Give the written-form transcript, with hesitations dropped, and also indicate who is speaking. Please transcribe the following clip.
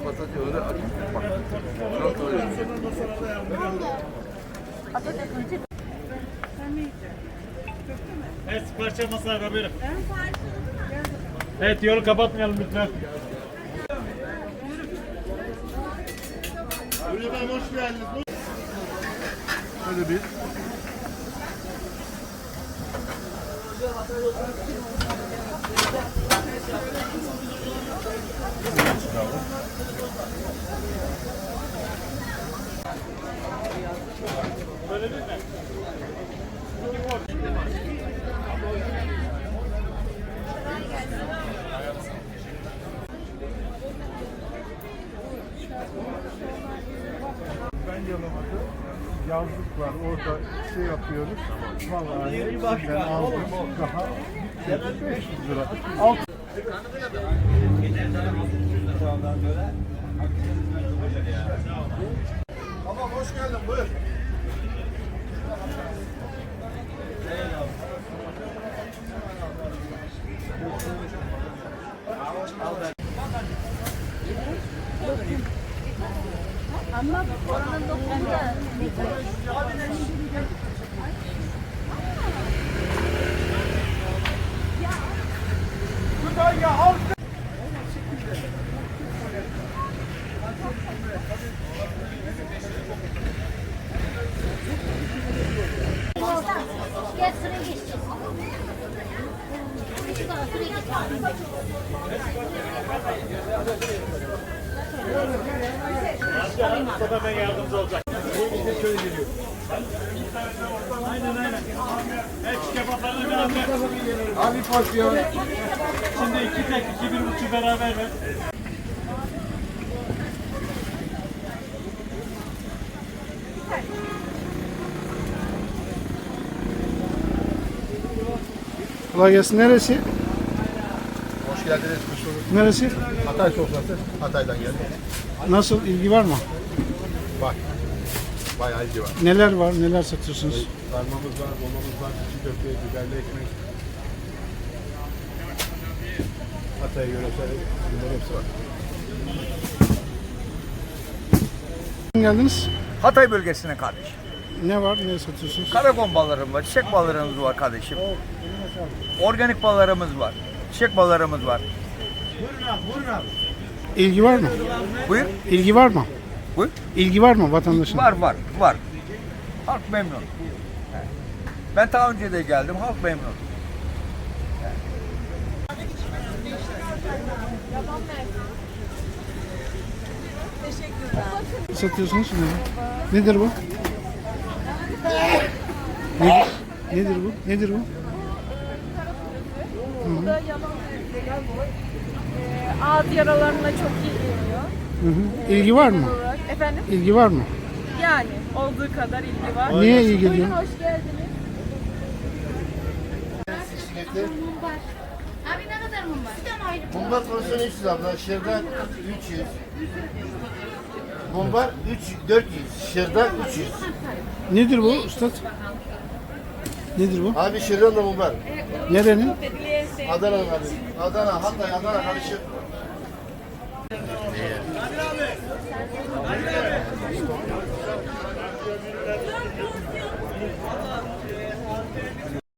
Speaker 1: patates öyle açık. Bak. Çok öyle.
Speaker 2: Evet, sipariş masaya buyurun. Evet, yolu kapatmayalım lütfen.
Speaker 3: Buyurun efendim, hoş geldiniz. Böyle bir.
Speaker 2: Böyle değil mi?
Speaker 3: Ben Yalova'da yazlık var. Orada şey yapıyoruz. Vallahi ben aldım daha 500 lira. Alt. Tamam, hoş geldin. Buyur.
Speaker 4: Ama oranın doktorunda gel sıraya geç. Sıraya geç.
Speaker 2: Mustafa Bey yardımcı olacak. Şöyle geliyor. Aynen. Evet, kebaplarını biraz ver.
Speaker 3: Abi porsiyon.
Speaker 2: Şimdi 2 tek, 2 1,5 beraber ver.
Speaker 5: Kolay gelsin. Neresi?
Speaker 3: Hoş geldiniz.
Speaker 5: Neresi?
Speaker 3: Hatay sofrası. Hatay'dan geldik.
Speaker 5: Nasıl? İlgi var mı?
Speaker 3: Bak. Bayağı ilgi var.
Speaker 5: Neler var? Neler satıyorsunuz?
Speaker 3: Sarmamız var, dolmamız var, içi köfte, biberli ekmek. Hatay yöresel bunların hepsi var.
Speaker 5: Geldiniz.
Speaker 1: Hatay bölgesine kardeşim.
Speaker 5: Ne var? Ne satıyorsunuz?
Speaker 1: Karagon ballarım var, çiçek ballarımız var kardeşim. Organik ballarımız var, çiçek ballarımız var.
Speaker 5: İlgi var mı?
Speaker 1: Buyur.
Speaker 5: İlgi var mı?
Speaker 1: Buyur.
Speaker 5: İlgi var mı vatandaşın?
Speaker 1: Var. Halk memnun. Evet. Ben daha önce de geldim, halk memnun.
Speaker 5: Satıyorsunuz mu? Nedir bu? Nedir bu? Nedir bu?
Speaker 6: Bu da yaban özlemi. Ağız yaralarına çok iyi geliyor.
Speaker 5: İlgi var mı?
Speaker 6: Efendim?
Speaker 5: İlgi var mı?
Speaker 6: Yani olduğu kadar ilgi var.
Speaker 5: Niye iyi geliyor?
Speaker 6: Buyurun, hoş geldiniz.
Speaker 4: Abi ne kadar mum var? Bir tane ayrı.
Speaker 3: Mumbar porsiyon 300 abla, şırdan 300. Mumbar 400, şırdan 300.
Speaker 5: Nedir bu ustad? Nedir bu?
Speaker 3: Abi şırdan da mumbar.
Speaker 5: Nerenin?
Speaker 3: Adana abi. Adana, Hatay, Adana karışık.